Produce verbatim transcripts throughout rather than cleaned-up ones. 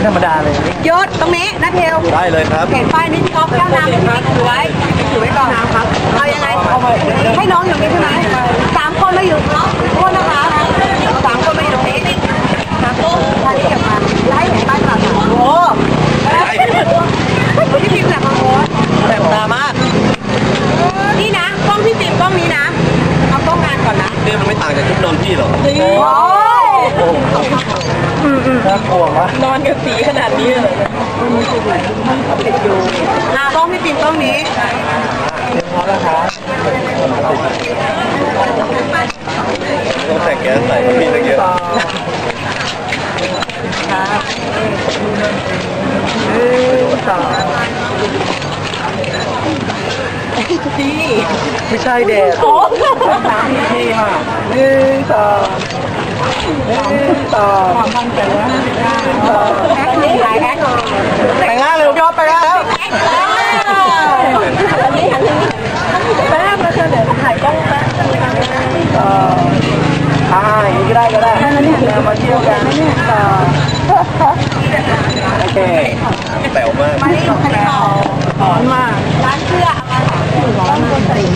ธรรมดาเลยยศตรงนี้นะเทลได้เลยครับเห็นป้ายนี้พี่ก๊อฟแก้วน้ำให้พี่ถือไว้ถือไว้ก่อนนะครับเอายังไงให้น้องอยู่นี่ใช่ไหมสามคนมาอยู่โทษนะคะสามคนมาอยู่ตรงนี้ครับท่านนี้เก็บมาแล้วให้เห็นป้ายตลาดโอ้พี่พิมพ์แหละมาโอ้แต่ตามากนี่นะกล้องพี่พิมพ์กล้องนี้นะเอากล้องงานก่อนนะเนี่ยมันไม่ต่างจากชุดนอนพี่หรอกโอ้น่ากลัวมากนอนกันสีขนาดนี้เลยอ่ะกล้องพี่พิมพ์กล้องนี้พอแล้วครับต้องแต่งแก๊สใส่พี่ตะเกียบดีไม่ใช่เด็ดโอ้นี่ค่ะหนึ่งสองหนึ่งสองความมั่นใจว่าแท็กนี่หายแท็กแต่งงานเร็วยอดไปแล้วแป๊บมาเจอเดี๋ยวถ่ายกล้องแป๊บอ่าอย่างนี้ก็ได้ก็ได้เรามาเที่ยวกันโอเคแป๋วมากมาที่ของใครเขาร้อนมากร้านเสื้อร้อนจริง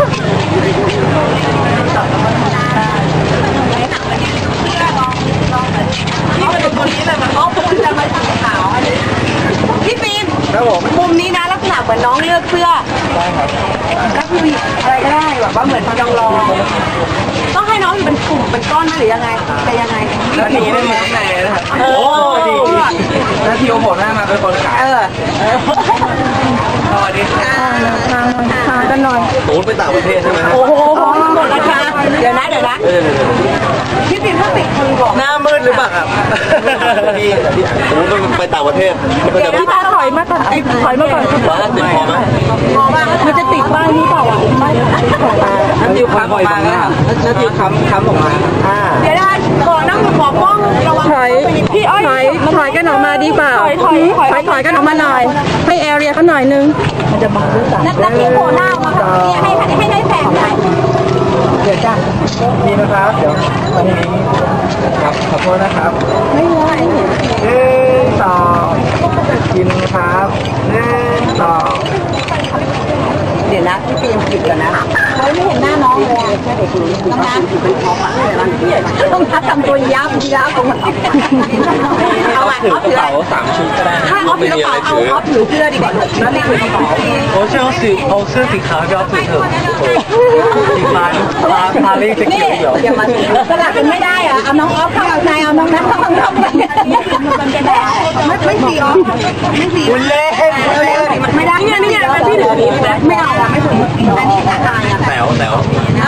นี่มันเป็นตัวนี้เลยมันอ๋อผมจะมาสีขาวอันนี้พี่ฟิล์มครับผมมุมนี้นะลักษณะเหมือนน้องเลือกเสื้อได้ครับก็คืออะไรก็ได้แบบว่าเหมือนจองรอต้องให้น้องอยู่เป็นกลุ่มเป็นก้อนไหมหรือยังไงแต่ยังไงแล้วหนีได้ไหมไหนนะครับโอ้ดีแล้วทีโอผมหน้ามาเป็นคนขายเออสวัสดีค่ะทางทางกันหน่อยตูนไปต่างประเทศใช่ไหมโอ้โหหมดราคาเดี๋ยวนะเดี๋ยวนะพี่ปิ่นถ้าปิดคนบอกหน้ามืดหรือเปล่าครับพี่ตูนมันไปต่างประเทศเดี๋ยวพี่ตาถอยมาก่อนถอยมาก่อนมาติดพอไหมพอป่ะมันจะติดป้ายนี้เปล่าอ่ะไม่น้ำจิ้มค้ำออกมาครับน้ำจิ้มค้ำค้ำออกมาอ่าเดี๋ยวได้ขอนั่งขอกล้องระวังถอยพี่อ้อยถอยถอยกันออกมาดีเปล่าถอยถอยถอยกันออกมาหน่อยให้แอเรียเขาหน่อยนึงมันจะบังด้วยกันนักนักที่โผล่หน้ามาพี่ให้ให้ให้แสงหน่อยเดี๋ยวจ้านี่นะครับเดี๋ยววันนี้ครับขอโทษนะครับไม่ไหวหนึ่งสองกินครับหนึ่งสองเดี๋ยวนะพี่เตรียมผิดก่อนนะเขาไม่เห็นหน้าน้องเลยแค่เด็กน้องน้ำต้องทักทำตัวยับยับตรงไหนเอาไงเอาถือเป๋าสามชุดก็ได้ถ้าเอาถือกระเป๋าเอาเอาถือเสื้อดีกว่าแล้วนี่ถือกระเป๋าโอ้เชื่อสีเอาเสื้อสีขาวจะเอาถือเถอะสีฟ้าฟ้าพาเล่จะเกี่ยวเหรออย่ามาสลับกันไม่ได้อะเอาน้องออฟเข้าเอานายเอาน้องนัทเข้าข้างนอกมันจะได้ไม่ไม่สีออฟไม่สีคุณเล่ไม่ได้เนี่ยนี่ไงพี่ถือไม่เอาอะไม่ถืออันนี้ขาดอะแต๋วแต๋ว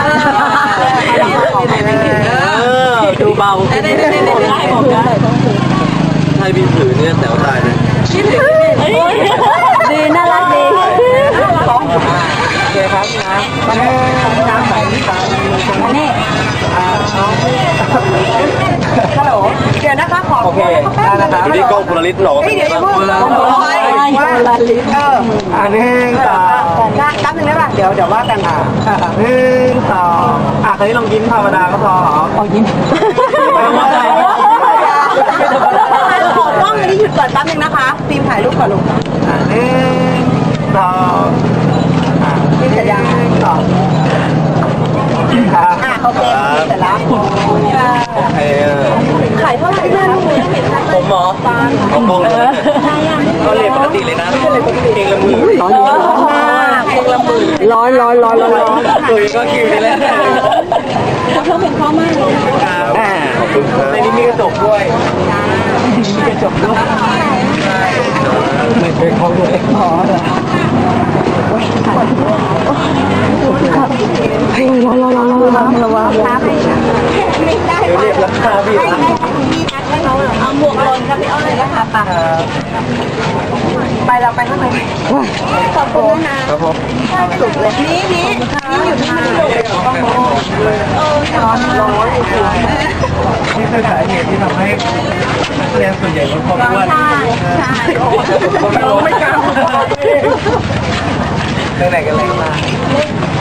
ดูเบาให้พี่ถือเนี่ยแต๋วตายเลยดีน่ารักดีโอเคครับนะน้ำใสตานี่ฮัลโหลเดี๋ยวนะคะขอโอเคได้นะครับนี่กล้องคุณลิศหนอเดี๋ยวจะพูดคุณลิศเอออันนี้ต่อได้แป๊บนึงได้ป่ะเดี๋ยวเดี๋ยวว่ากันอ่ะหนึ่งสองอ่ะคราวนี้ลองยิ้มธรรมดาก็พออ๋อยิ้มขอกล้องอันนี้หยุดก่อนแป๊บนึงนะคะฟิล์มถ่ายรูปก่อนลูกหนึ่งสองนี่เสร็จยังสองอ่ะโอเคเสร็จแล้วโอเคถ่ายเท่าไหร่นะผมหมอเอากล้องเลยก็เรียนปกติเลยนะเองละมือร้อนมากเองละมือร้อนร้อนร้อนร้อนตัวเองก็คิวไปแล้วเพิ่มเป็นข้อมากเลยอ่าขอบคุณครับในนี้มีกระจกด้วยมีกระจกด้วยไม่เคยเข้าด้วยอ๋อเฮ้ยร้อนร้อนร้อนร้อนร้อนระวังไม่ได้เรียกราคาพี่นะให้เขาเอาหมวกลนครับพี่เอาเลยนะคะปะไปเราไปข้างในขอบคุณนะครับผมสุดเลยนี่นี่นี่อยู่ที่มันสุดเลยต้องมองเออร้อนร้อนนี่คือสาเหตุที่ทำให้นักเรียนส่วนใหญ่ลดความอ้วนใช่ใช่ไม่กล้าไปไหนกันเลยมา